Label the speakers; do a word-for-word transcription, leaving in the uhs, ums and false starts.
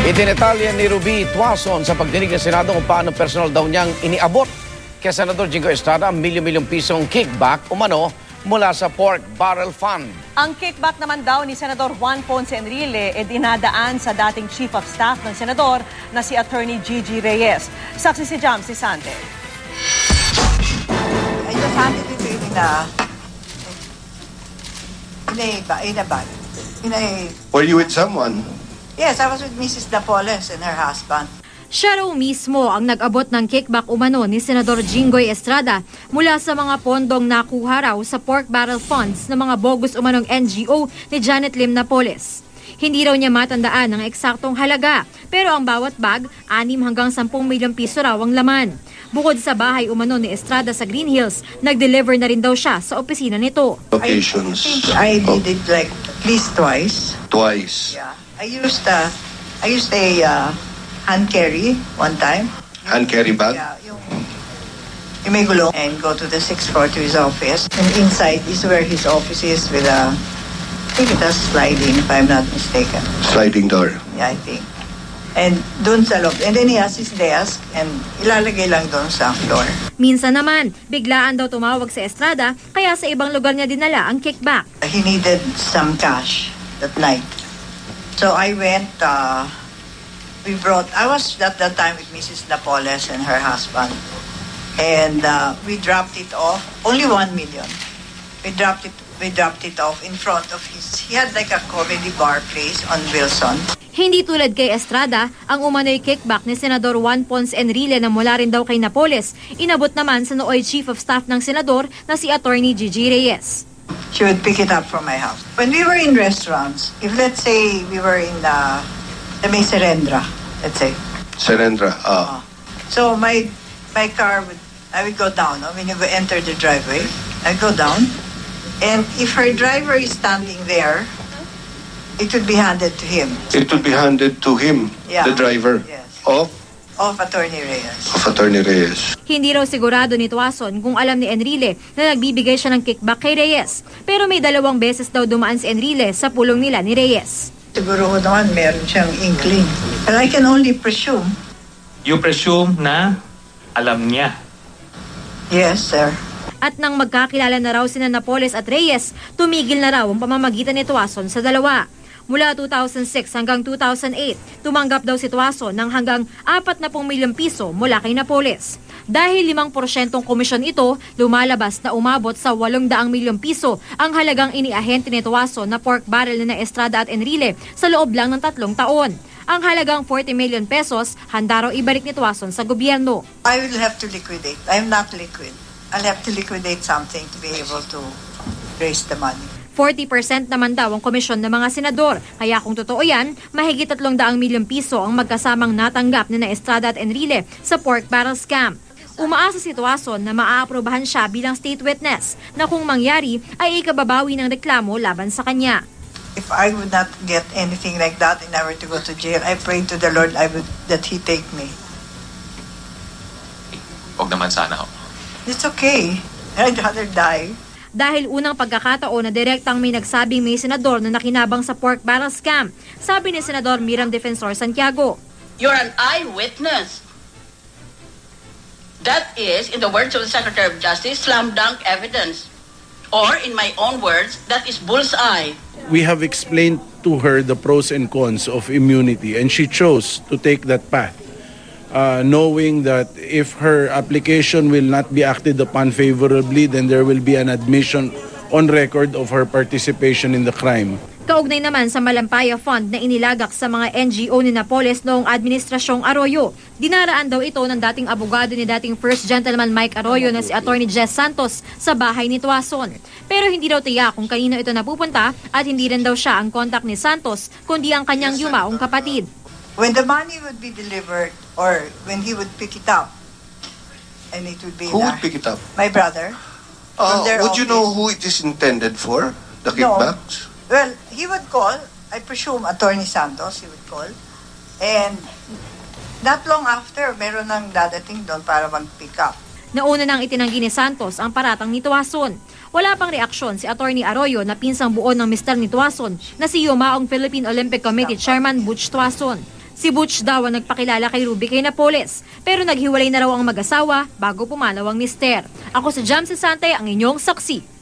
Speaker 1: Idinetalya ni Ruby Tuason sa pagdinig ng Senado kung paano personal daw niyang iniabot kay Senador Jingo Estrada ang milyon-milyong pisong kickback umano mula sa Pork Barrel Fund.
Speaker 2: Ang kickback naman daw ni Senador Juan Ponce Enrile e dinadaan sa dating Chief of Staff ng Senador na si Attorney Gigi Reyes. Saksi si Jam Sisante.
Speaker 3: I just handed it to him in a, in a, in a bag. In a,
Speaker 4: Were you with someone?
Speaker 3: yes, I was with Missus Napoles and her husband.
Speaker 5: Siya raw mismo ang nag-abot ng kickback umano ni Senador Jingoy Estrada mula sa mga pondong nakuha raw sa Pork Barrel Funds ng mga bogus umanong N G O ni Janet Lim Napoles. Hindi raw niya matandaan ang eksaktong halaga, pero ang bawat bag, anim hanggang sampung milyong piso raw ang laman. Bukod sa bahay umano ni Estrada sa Green Hills, nag-deliver na rin daw siya sa opisina nito.
Speaker 4: Occasions.
Speaker 3: I, I did it like at least twice.
Speaker 4: Twice.
Speaker 3: Yeah. I used a, I used a uh, hand carry one time.
Speaker 4: Hand carry bag?
Speaker 3: Yeah, yung, yung may gulong and go to the sixth floor to his office. And inside is where his office is with a, I think it has sliding if I'm not mistaken.
Speaker 4: Sliding door.
Speaker 3: Yeah, I think. And doon sa loob. And then he has his desk and ilalagay lang doon sa floor.
Speaker 5: Minsan naman, biglaan daw tumawag sa Estrada kaya sa ibang lugar niya dinala ang kickback.
Speaker 3: He needed some cash that night. So I went, uh, we brought, I was at that time with Missus Napoles and her husband. And uh, we dropped it off, only one million. We dropped it, we dropped it off in front of his, he had like a comedy bar place on Wilson.
Speaker 5: Hindi tulad kay Estrada, ang umano'y kickback ni Senador Juan Ponce Enrile na mula rin daw kay Napoles, inabot naman sa nooy Chief of Staff ng Senador na si Attorney Gigi Reyes.
Speaker 3: She would pick it up from my house. When we were in restaurants, if let's say we were in the, the may Serendra, let's say.
Speaker 4: Serendra, ah.
Speaker 3: Uh, so my my car would, I would go down. No? When you go enter the driveway, I go down. And if her driver is standing there, it would be handed to him.
Speaker 4: It would be handed to him,
Speaker 3: Yeah.
Speaker 4: the driver,
Speaker 3: Yes.
Speaker 4: of,
Speaker 3: Of Attorney Reyes.
Speaker 4: of Attorney Reyes.
Speaker 5: Hindi raw sigurado ni Tuason kung alam ni Enrile na nagbibigay siya ng kickback kay Reyes. Pero may dalawang beses daw dumaan si Enrile sa pulong nila ni Reyes.
Speaker 3: Siguro ko naman meron siyang inkling. But I can only presume.
Speaker 6: You presume na alam niya.
Speaker 3: Yes, sir.
Speaker 5: At nang magkakilala na raw sina Napoles at Reyes, tumigil na raw ang pamamagitan ni Tuason sa dalawa. Mula two thousand six hanggang two thousand eight, tumanggap daw si Tuason ng hanggang apat na pung milyong piso mula kay Napoles. Dahil limang porsyentong komisyon ito, lumalabas na umabot sa walong daang milyong piso ang halagang iniahente ni Tuason na pork barrel na Estrada at Enrile sa loob lang ng tatlong taon. Ang halagang forty million pesos, handa raw ibalik ni Tuason sa gobyerno.
Speaker 3: I will have to liquidate. I'm not liquid. I'll have to liquidate something to be able to raise the money.
Speaker 5: forty percent naman daw ang komisyon ng mga senador. Kaya kung totoo yan, mahigit tatlong daang milyong piso ang magkasamang natanggap ni na Estrada at Enrile sa pork barrel scam. Umaasa si Tuason na maaaprobahan siya bilang state witness na kung mangyari ay ikababawi ng reklamo laban sa kanya.
Speaker 3: If I would not get anything like that and I were to go to jail, I pray to the Lord I would, that He take me.
Speaker 6: Huwag naman sana ho.
Speaker 3: It's okay. I'd rather die.
Speaker 5: Dahil unang pagkakataon na direktang may nagsabing may senador na nakinabang sa pork barrel scam, sabi ni Senador Miram Defensor Santiago.
Speaker 7: You're an eyewitness. That is, in the words of the Secretary of Justice, slam dunk evidence. Or, in my own words, that is bullseye.
Speaker 8: We have explained to her the pros and cons of immunity and she chose to take that path. Uh, knowing that if her application will not be acted upon favorably, then there will be an admission on record of her participation in the crime.
Speaker 5: Kaugnay naman sa Malampaya Fund na inilagak sa mga N G O ni Napoles noong Administrasyong Arroyo. Dinaraan daw ito ng dating abogado ni dating First Gentleman Mike Arroyo na si Attorney Jess Santos sa bahay ni Tuason. Pero hindi daw tiyak kung kanino ito napupunta at hindi rin daw siya ang kontak ni Santos kundi ang kanyang yumaong kapatid.
Speaker 3: When the money would be delivered or when he would pick it up, and it would be
Speaker 4: Who
Speaker 3: in
Speaker 4: would
Speaker 3: a-
Speaker 4: pick it up?
Speaker 3: my brother.
Speaker 4: Uh,
Speaker 3: From their
Speaker 4: would you know
Speaker 3: office.
Speaker 4: who it is intended for? The
Speaker 3: No.
Speaker 4: kickbacks?
Speaker 3: Well, he would call, I presume Attorney Santos, he would call. And not long after, meron nang dadating doon para mag-pick up.
Speaker 5: Nauna nang itinanggi ni Santos ang paratang ni Tuason. Wala pang reaksyon si Attorney Arroyo na pinsang buo ng mister ni Tuason na si yumaong Philippine Olympic Committee Chairman Butch Tuason. Si Butch daw ang nagpakilala kay Ruby kay Napoles, pero naghiwalay na raw ang mag-asawa bago pumanaw ang mister. Ako si Jam Sisante, ang inyong saksi.